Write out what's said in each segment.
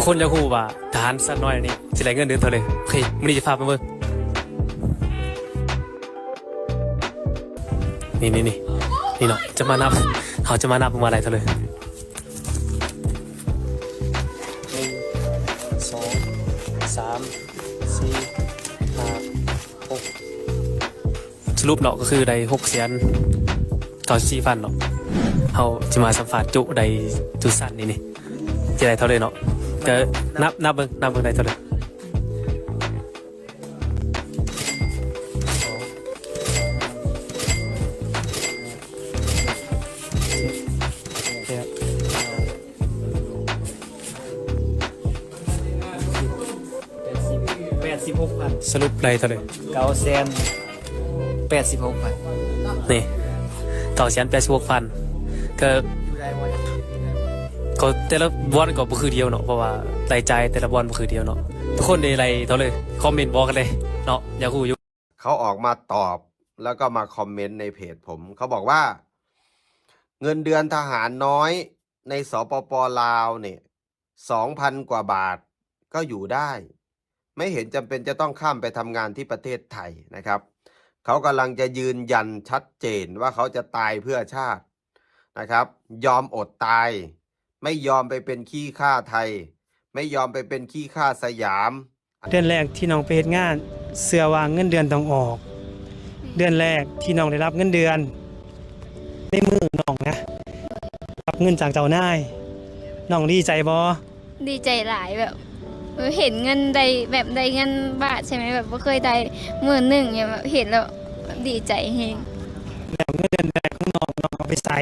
คนจะฮู้ว่าทหารสักน้อยนี่สิได้เงินเดือนเท่าไหร่โอเคมื้อนี้จะพาไปเบิ่งนี่เนาะจะมานับเขาจะมานับว่าอะไรเท่าไหร่1 2 3 4 5 6สรุปเนาะก็คือได้6 แสน94 พันเนาะเขาจะมาสัมภาษณ์จุได้จุสั้นนี่จะได้เท่าไหร่เนาะก็นับเบิ่งได้เท่าไหร่ 86,000 สรุปได้เท่าไหร่ 986,000 นี่986,000ก็อยู่ได้บ่ก็แต่ละบอลก็บ่คือเดียวเนาะเพราะว่ารายจ่ายแต่ละบอลบ่คือเดียวเนาะทุกคนได้ไรเท่าเลยคอมเมนต์บอกกันเลยเนาะอยากรู้อยู่เขาออกมาตอบแล้วก็มาคอมเมนต์ในเพจผมเขาบอกว่าเงินเดือนทหารน้อยในสปป.ลาวเนี่ย2,000 กว่าบาทก็อยู่ได้ ไม่เห็นจำเป็นจะต้องข้ามไปทำงานที่ประเทศไทยนะครับเขากำลังจะยืนยันชัดเจนว่าเขาจะตายเพื่อชาตินะครับยอมอดตายไม่ยอมไปเป็นขี้ข้าไทยไม่ยอมไปเป็นขี้ข้าสยามเดือนแรกที่น้องไปเฮ็ดงานเสื้อว่าเงินเดือนต้องออก เดือนแรกที่น้องได้รับเงินเดือนในมือน้องนะรับเงินจากเจ้านายน้องดีใจบ่ดีใจหลายแบบเห็นเงินได้แบบได้เงินบาทใช่ไหมแบบบ่เคยได้10,000เนี่ยแบบเห็นแล้วดีใจแฮงแล้วเงินเดือนแรกของน้องเอาไปใส่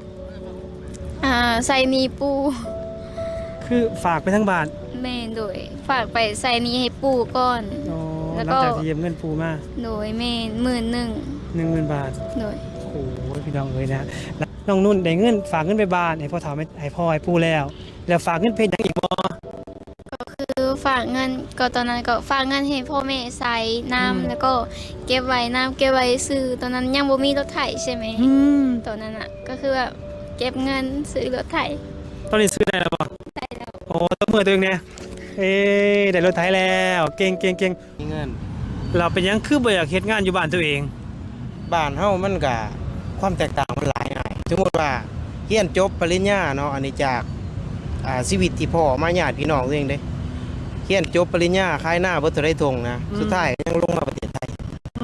ใส่หนี้ปู่คือฝากไปทั้งบาทแม่โดยฝากไปใส่หนี้ให้ปู่ก่อนอ๋อแล้หลัวงก็จากที่ยืมเงินปูมาโดยแม่11,000 10,000 บาทโดยโอ้โหพี่น้องเอ้ยนะแล้วน้องนุ่นได้เงินฝากเงินไปบ้านให้พ่อถามให้พ่อให้ปู่แล้วฝากเงินเพชรยังอีกบ่ก็คือฝากเงินก็ตอนนั้นก็ฝากเงินให้พ่อแม่ใส่น้ำแล้วก็เก็บไว้น้ำเก็บไว้ซื้อตอนนั้นยังบ่มีรถไถใช่ไหมตอนนั้นก็คือแบบเก็บเงินซื้อรถไถตอนนี้ซื้อได้แล้วบ่ได้แล้วโอ้ตัวมือตัวเองเนี่ยได้รถไถแล้วเก่งมีเงินเราเป็นหยังคือบ่อยากเฮ็ดงานอยู่บ้านตัวเองบ้านเฮามันก็ความแตกต่างมันหลายหน่อยสมมุติว่าเรียนจบปริญญาเนาะอันนี้จากชีวิตที่พ่อมาญาติพี่น้องตัวเองเด้เรียนจบปริญญาขายหน้าบ่ทันได้ทงนะสุดท้ายยังลงมาประเทศไทย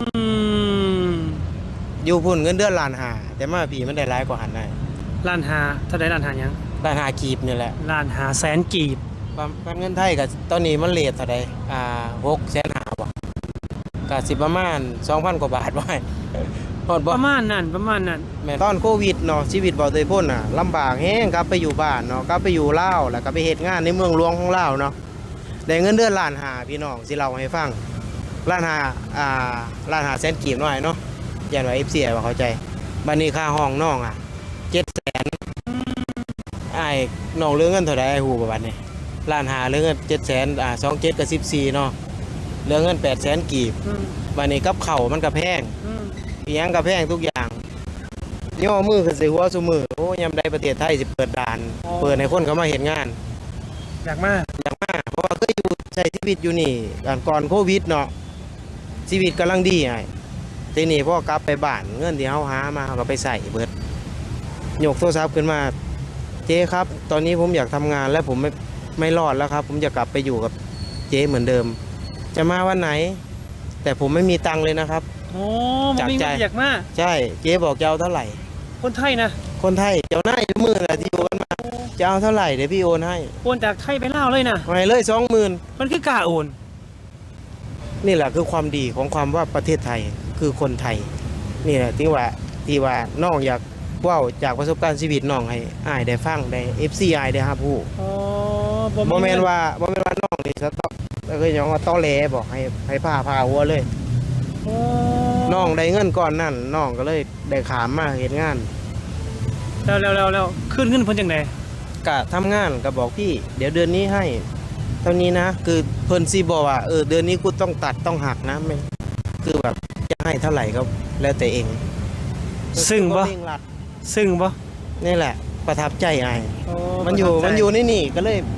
อยู่พุ่นเงินเดือนล้านห้าแต่มาพี่มันได้หลายกว่าหันได้ล้านหาเท่าใดล้านหาหยังล้านห้ากีบนี่แหละล้านหาแสนกีบบ้านเงินไทยก็ตอนนี้มันเรทเท่าใด650,000บ่ก็สิประมาณ 2,000 กว่าบาทบ่ให้ฮอดบ่ประมาณนั้นแม่ตอนโควิดเนาะชีวิตบ่เตยพ้นน่ะลำบากแฮงกลับไปอยู่บ้านเนาะกลับไปอยู่ลาวแล้วก็ไปเฮ็ดงานในเมืองหลวงของลาวเนาะได้เงินเดือนล้านห้าพี่น้องสิเล่าให้ฟังล้านห้าล้านห้าแสนกีบหน่อยเนาะยันว่า FC ว่าเข้าใจบัดนี้ค่าห้องน้อง700,000อ้ายน้องเหลือเงินเท่าใดอ้ายฮู้บ่บัดนี้ล้านห้าเหลือเงิน700,00027ก็14เนาะเหลือเงิน800,000กีบบัดนี้กับข้าวมันก็แพงอีหยังก็แพงทุกอย่างย่อมือขึ้นใส่หัวซุมือโอ้ยามใดประเทศไทยสิเปิดด่านเปิดให้คนเข้ามาเฮ็ดงานอยากมาเพราะว่าเคยอยู่ใช้ชีวิตอยู่นี่ก่อนโควิดเนาะชีวิตกำลังดีไอ้ทีนี้พอกลับไปบ้านเงินที่เฮาหามาเราก็ไปใส่เบิดยกโทรศัพท์ขึ้นมาเจ๊ครับตอนนี้ผมอยากทำงานและผมไม่รอดแล้วครับผมจะกลับไปอยู่กับเจ๊เหมือนเดิม จะมาวันไหน แต่ผมไม่มีตังค์เลยนะครับโอ้บ่มีเงินอยากมาใช่เจ๊บอกจะเอาเท่าไหร่คนไทยนะคนไทยเจ้าหน้ายมือแหละที่โอนมาจะเอาเท่าไหร่เดี๋ยวพี่โอนให้โอนจากไทยไปลาวเลยนะให้เลย20,000 มันคือกล้าโอนนี่แหละคือความดีของความว่าประเทศไทยคือคนไทยนี่แหละที่ว่าน้องอยากเว้าจากประสบการณ์ชีวิตน้องให้อ้ายได้ฟังได้ FC อ้ายได้รับรู้อ๋อบ่แม่นว่าน้องนี่สต๊อกแล้วก็ยังว่าต้อแหลบอกให้พาหัวเลยอ๋อน้องได้เงินก้อนนั้นน้องก็เลยได้ขามมาเฮ็ดงานแล้วขึ้นเงินเพิ่นจังได๋ก็ทำงานก็บอกพี่เดี๋ยวเดือนนี้ให้เท่านี้นะคือเพิ่นสิบอกว่าเดือนนี้กูต้องตัดต้องหักนะไม่คือแบบจะให้เท่าไหร่ก็แล้วแต่เองซึ่งบ่เร่งรัดซึ่งบ่นี่แหละประทับใจไอ้อ๋อมันอยู่ในนี่ก็เลย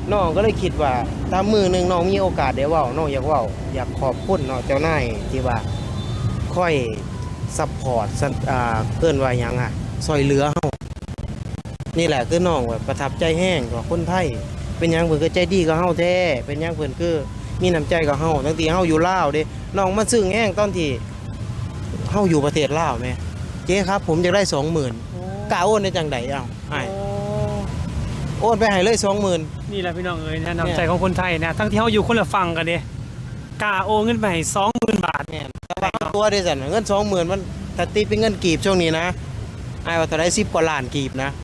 น้องก็เลยคิดว่าถ้ามือหนึงน้องมีโอกาสได้เว้าน้องอยากเว้าอยากขอบคุณเนาะเจ้านายที่ว่าค่อยซัพพอร์ตเอิ้นว่าหยังอ่ะช่วยเหลือเฮานี่แหละคือน้องแบบประทับใจแห้งกับคนไทยเป็นหยังเพิ่นก็ใจดีกับเฮาแท้เป็นหยังเพิ่นคือมีน้ำใจกับเฮาตั้งแต่เฮาอยู่ลาวเด้น้องมาซึ้งแห้งตอนที่เฮาอยู่ประเทศลาวแม่เจ๊ครับผมอยากได้ 20,000กล้าโอนได้จังไดเอ้าให้โอนไปให้เลย 20,000 นี่แหละพี่น้องเอ้ยนะน้ำใจของคนไทยนะทั้งที่เฮาอยู่คนละฝั่งกันเด้กล้าโอนเงินไปให้20,000 บาทแม่นแต่ว่าเอาตัวได้สั่นเงิน 20,000มันถ้าตีเป็นเงินกีบช่วงนี้นะอ้ายว่าเท่าได10 กว่าล้านกีบนะ